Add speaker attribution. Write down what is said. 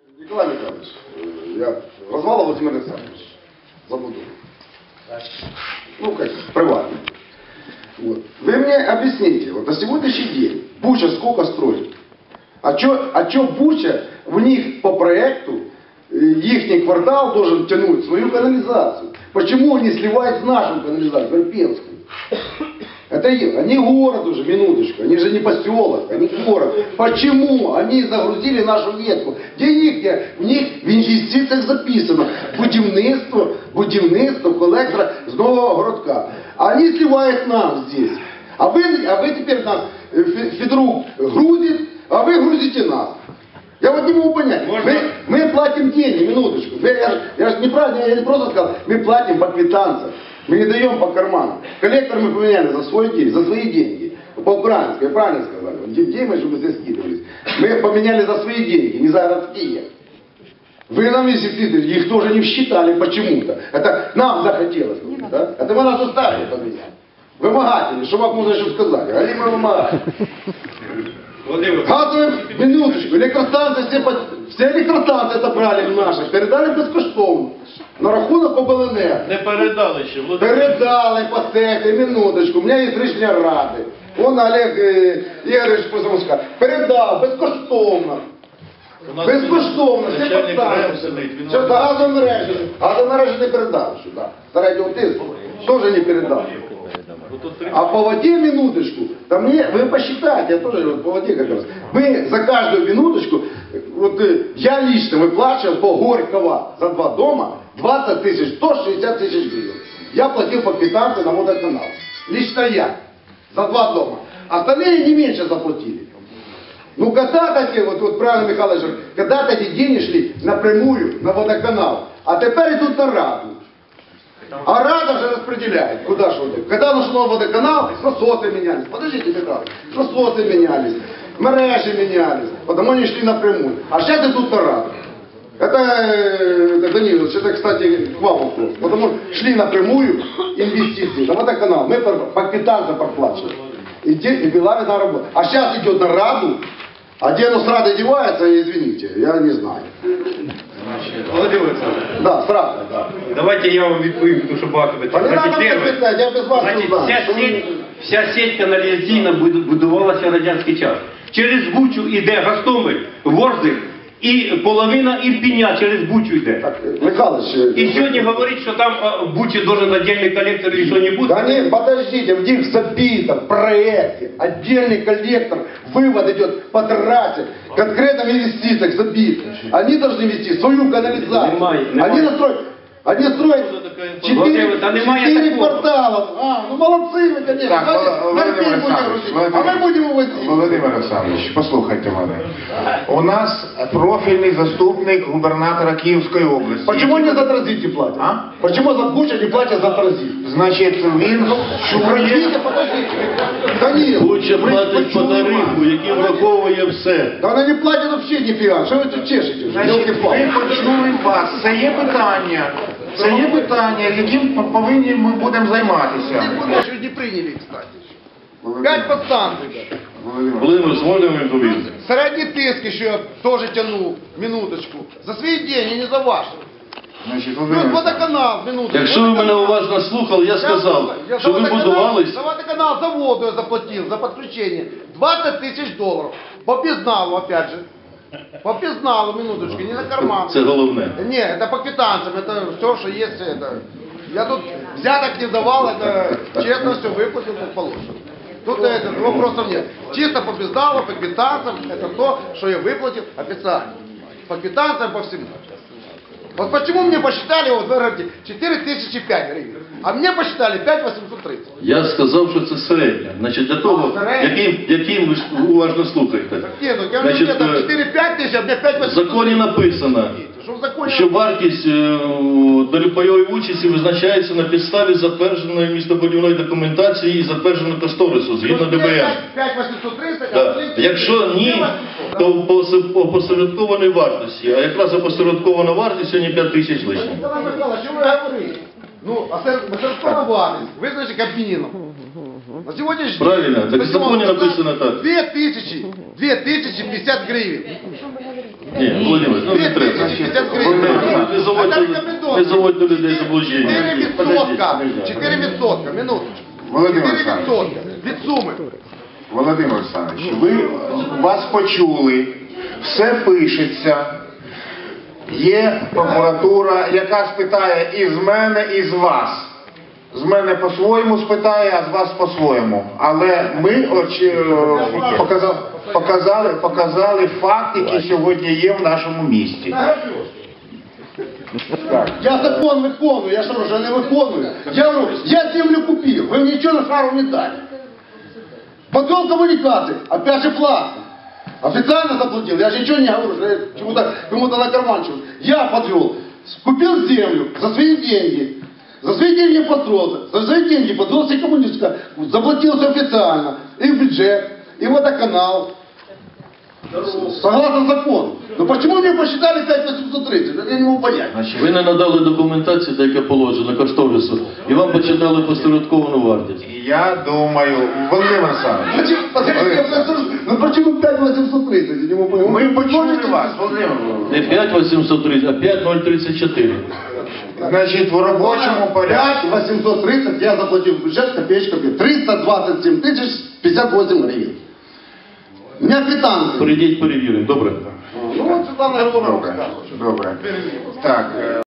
Speaker 1: Николай Михайлович, я Развала Владимир Александрович, забуду. Ну, как, приватно. Вот. Вы мне объясните, вот на сегодняшний день Буча сколько строит? А чё Буча, в них по проекту, ихний квартал должен тянуть свою канализацию? Почему они сливают с нашу канализацию, Верпенскую? Это они город уже, минуточку, они же не поселок, они город. Почему они загрузили нашу ветку? Где у них в інвестиціях записано будівництво колектора з нового городка. А они сливают нам здесь. А вы теперь нас, Федорук грузит, а вы грузите нас. Я вот не могу понять. Мы платим деньги, минуточку. Я же неправильно, я не просто сказал, мы платим по квитанциям. Мы не даем по карману. Коллектор мы поменяли за свои деньги. По-украински, я правильно сказал. Деньги, чтобы здесь скидывались. Мы поменяли за свои деньги, не за городские. Вы нам, если их тоже не считали почему-то. Это нам захотелось. Да? Это вы нас заставили поменять. Вымогатели, что вам можно еще сказать? Али мы вымогатели. Газовые, минуточку, электростанции, все электростанции отобрали наши, передали безкоштовно. На рахунок ОБЛНР.
Speaker 2: Не передали ще.
Speaker 1: Передали по цеху, минуточку. У мене є рішення ради. Вон Олег Ігорович Позамуська. Передав безкоштовно. Безкоштовно, все підставили. Все, до газомережі. Газомережі не передав сюди. Середнього тиску теж не передав. А по воде минуточку, там вы посчитайте, я тоже по воде как раз. Мы за каждую минуточку, вот я лично выплачивал по Горького за 2 дома 20 тысяч, 160 тысяч гривен. Я платил по квитанции на водоканал. Лично я. За 2 дома. Остальные не меньше заплатили. Ну когда-то, вот правильно Михайлович говорит, когда-то эти деньги шли напрямую на водоканал, а теперь идут на Раду. А Рада же распределяет, куда что ты. Когда нашел водоканал, насосы менялись. Подождите, Михайлович, насосы менялись, мережи менялись, потому они шли напрямую. А сейчас идут на Раду. Это Данилович, это, кстати, к вам вопрос. Потому что шли напрямую инвестиции на водоканал. Мы по квитанциям проплачивали. И была видна работа. А сейчас идет на Раду, а где оно с Радой девается, извините, я не знаю.
Speaker 3: Володимир Олександрович,
Speaker 1: да, сразу, да.
Speaker 3: Давайте я вам відповім, тому що багато питань.
Speaker 1: Я без вас не знаю.
Speaker 3: Вся сеть каналізаційна будувалася в радянський час. Через Бучу йде Гостомель, Ворзик і половина Ірпеня через Бучу йде.
Speaker 1: Так, Михайлович...
Speaker 3: І сьогодні говорить, що там в Бучі должен отдельный коллектор и что-нибудь.
Speaker 1: Да нет, подождите, в них забито в проекте отдельный коллектор, вывод идет по трассе, конкретно в инвестициях забит. Они должны вести свою канализацию. Они строят 4 квартала. Ну молодцы вы, конечно.
Speaker 4: Так,
Speaker 1: а мы будем увозить.
Speaker 4: Володимир Олександрович, послухайте мене. У нас профільний заступник губернатора Київської області.
Speaker 1: Почему не за транзите платят?
Speaker 4: А?
Speaker 1: Почему за Бучу не платят за транзит?
Speaker 4: Значить, він
Speaker 1: Подождите, подождите. Данил,
Speaker 2: Буча платить по тарифу, який враховує все.
Speaker 1: да она не платит вообще нифига. Что вы тут чешете?
Speaker 4: Значить, ви почули вас. Це є питання, яким повинні ми будемо займатися.
Speaker 1: Еще не приняли, кстати. 5 подстанций.
Speaker 2: Володимир, зможемо відповісти?
Speaker 1: Средний тиск еще тоже тянул, минуточку. За свои деньги, не за ваши.
Speaker 4: Значить,
Speaker 1: Плюс водоканал, минуточку.
Speaker 2: Якщо ви мене уважно слухали, я сказав, що ви будувались...
Speaker 1: За водоканал, за воду я заплатил, за подключение. 20 тысяч долларов. По безналу, опять же. По безналу, минуточку, не на карман.
Speaker 2: Це головне.
Speaker 1: Не, это по квитанциям, это все, что есть. Это. Я тут взяток не давал, это честно все выплатил, как положено. Тут вопросов нет. Чисто по безналу, по квитанциям, это то, что я выплатил официально. По квитанциям, по всему. Вот почему мне посчитали, вот вы говорите, 4005 гривен, а мне посчитали 5830.
Speaker 2: Я сказав, що це середня. Значить, для того, яким ви уважно слухаєте.
Speaker 1: Нет, ну я говорю, мне там 4-5 тысяч, а мне 5830.
Speaker 2: В законі написано,
Speaker 1: Что в законе?
Speaker 2: що вартість доліпайової участі визначається на підставі затвердженої містобудівної документації і затвердженого кошторису, згідно ДБН.
Speaker 1: 5830,
Speaker 2: Да. Якщо ні, то по опосередкованій вартості, а якраз опосередкована вартість сьогодні 5 тисяч лишніх.
Speaker 1: Николай Михайлович, что вы говорите? Ну, опосередкована вартість, визначить Кабміном. На сегодняшний день...
Speaker 2: Правильно, так в законі написано так.
Speaker 1: 2050 гривен.
Speaker 2: Ні, Володимир, ну не треба.
Speaker 1: 2050 гривень.
Speaker 2: Не заводьте людей в заблуждення.
Speaker 1: 4%, минуточку.
Speaker 4: Володимир
Speaker 1: 4%
Speaker 4: Олександрович.
Speaker 1: від суми.
Speaker 4: Володимир Олександрович, вас почули, все пишеться. Є прокуратура, яка спитає і з мене, і з вас. З мене по-своєму спитає, а з вас по-своєму. Але ми показали факт, який сьогодні є в нашому місті.
Speaker 1: Я закон виконую, я что, уже не виконую? Я говорю, я землю купил, вы мне ничего на шару не дали. Подвел коммуникации, опять же платно. Официально заплатил, я же ничего не говорю, что я кому-то на карманчик. Я подвел, купил землю за свои деньги. За свои деньги построился, за свои деньги подвел все коммунистика, заплатил все официально, и в бюджет, и в водоканал. Согласно закону. Но почему мне посчитали 5830? Это я не могу понять.
Speaker 2: Ви не надали документації, так як положено, кошторису, і вам почитали посередковану вартість.
Speaker 4: Я думаю, Володимир Олександрович,
Speaker 1: Ну почему 5830? Я не могу понять.
Speaker 4: ми почули вас, Володимир
Speaker 2: Не
Speaker 4: Володимирович.
Speaker 2: 5830, а 5034.
Speaker 4: Значить, в робочому порядку.
Speaker 1: 5830 я заплатил в бюджет копеечками. 327 тысяч 58 гривен. У меня квитанция.
Speaker 2: Прийдіть, перевіримо, добре?
Speaker 1: Ну вот Светлана Григорьевна
Speaker 4: Добре,
Speaker 1: сказала.
Speaker 4: добре. Так.